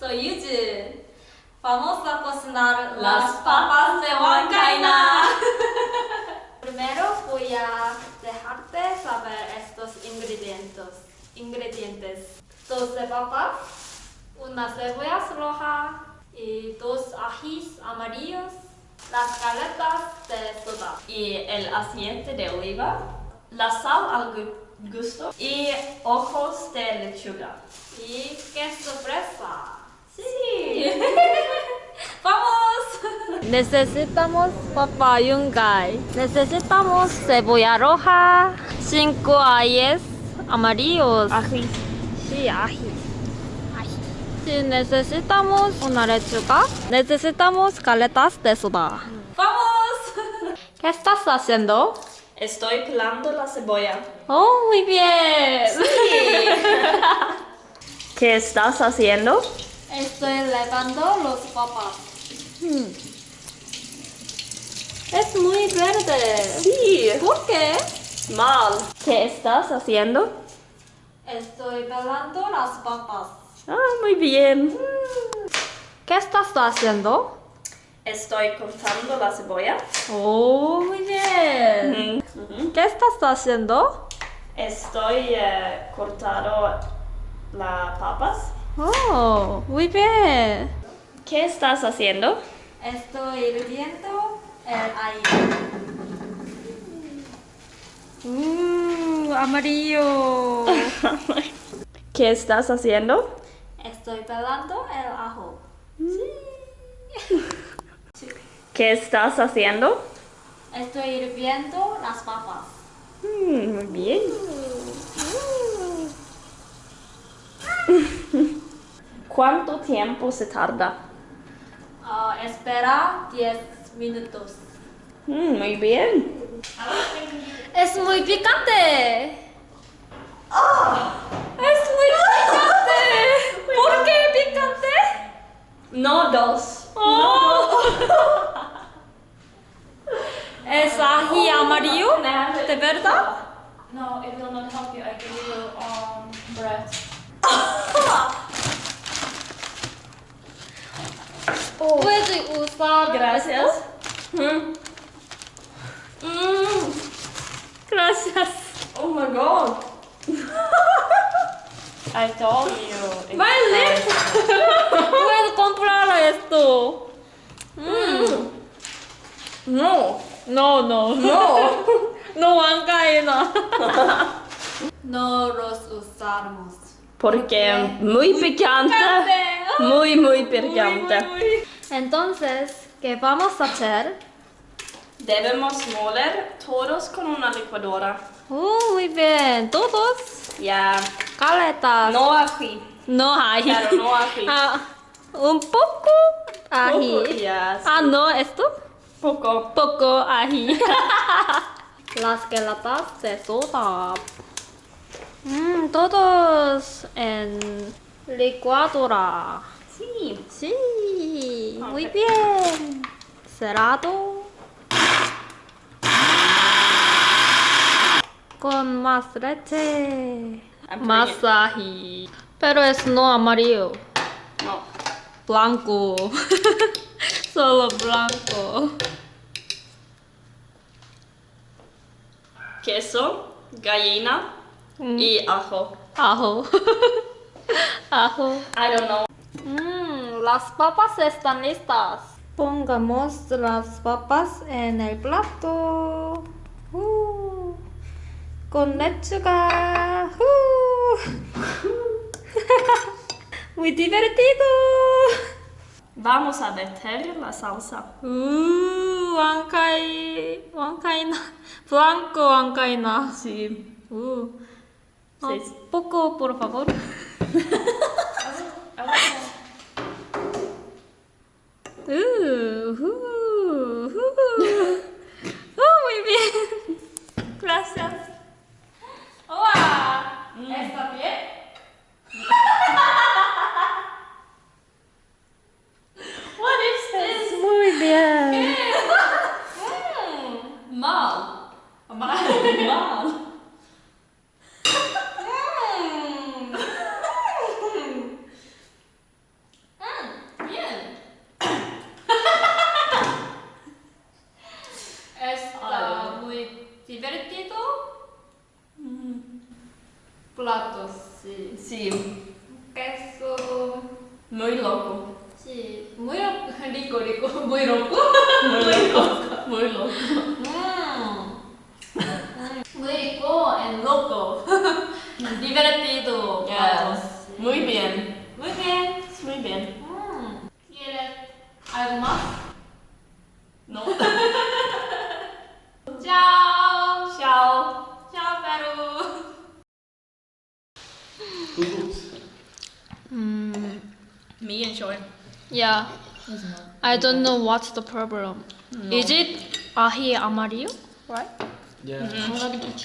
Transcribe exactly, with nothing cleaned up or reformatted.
Soy Yujin. Vamos a cocinar las papas de huancaína. Primero voy a dejarte saber estos ingredientes. Ingredientes: doce papas, una cebolla roja y dos ajís amarillos, las galetas de soda y el aceite de oliva, la sal al gu- gusto y ojos de lechuga. y queso fresa. Sí. ¡Vamos! Necesitamos papa yungay. Necesitamos cebolla roja, cinco ajíes amarillos. Ají. Sí, ají. Ají. Sí, necesitamos una lechuga. Necesitamos galetas de soda. ¡Vamos! ¿Qué estás haciendo? Estoy pelando la cebolla. Oh, muy bien. ¿Qué estás haciendo? Estoy lavando los papas. Es muy verde. Sí. ¿Por qué? Mal. ¿Qué estás haciendo? Estoy pelando las papas. Ah, muy bien. ¿Qué estás haciendo? Estoy cortando la cebolla. Oh, muy bien. Ujú. ¿Qué estás haciendo? Estoy eh, cortando las papas. Oh, muy bien. ¿Qué estás haciendo? Estoy hirviendo el ají. Mmm, amarillo. ¿Qué estás haciendo? Estoy pelando el ajo. ¿Qué estás haciendo? Estoy hirviendo las papas. Mm, muy bien. ¿Cuánto tiempo se tarda? Ah, espera diez minutos. Mm, muy bien. Es muy picante. Es muy picante. ¿Por qué picante? No dos. Oh. ¿Es ají amarillo? ¿De verdad? No, it will not help you. I give you um, bread. ¿Puedes usar Gracias. esto? Mm. Mm. Gracias. Oh my god. I told you. Vale. Puedo comprar esto. Mm. No. No, no. No. No huancaína. No los usamos. Porque muy picante. Muy, muy picante. Muy, muy, muy. Entonces, ¿qué vamos a hacer? Debemos moler todos con una licuadora. Oh, muy bien. Todos. Ya. Galetas. No ají. No hay. Claro, no ají. Ah, un poco ají. Poco, ya, sí. Ah, no, esto. Poco. Poco ají. Las galetas de soda. Mm, todos en licuadora. Sí. Sí, muy Ok. bien. Cerrado. Con más leche. I'm Más putting ají. Pero es no amarillo. No. Blanco. Solo blanco. Queso, gallina Mm. y ajo. Ajo. Ajo. I don't know. Mm, las papas están listas. Pongamos las papas en el plato. Uh, con lechuga. Uh. Muy divertido. Vamos a meter la salsa. Uh, huancay, huancaína. Blanco huancaína. Sí. Uh. Ah, Sí. poco, por favor. Uh, uh, uh. Oh, muy bien. Gracias. Hola. ¿Está bien? What is this? Muy bien. Mm, mal. Mal. Mm. Plato, sí. Sí, Queso, muy loco. sí. Muy ro- rico, rico. Muy loco. Muy loco. Muy loco. Mm. Muy rico and loco. Divertido. Yeah. plato, sí. Muy bien. Muy bien. Muy bien. Mm. ¿Quieres algo más? No. Chao. Chao. Chao, Perú. Hoe goed? Mm, Me enjoy. yeah. I don't know what's the problem. No. Is it ahi amarillo? Right? Ja.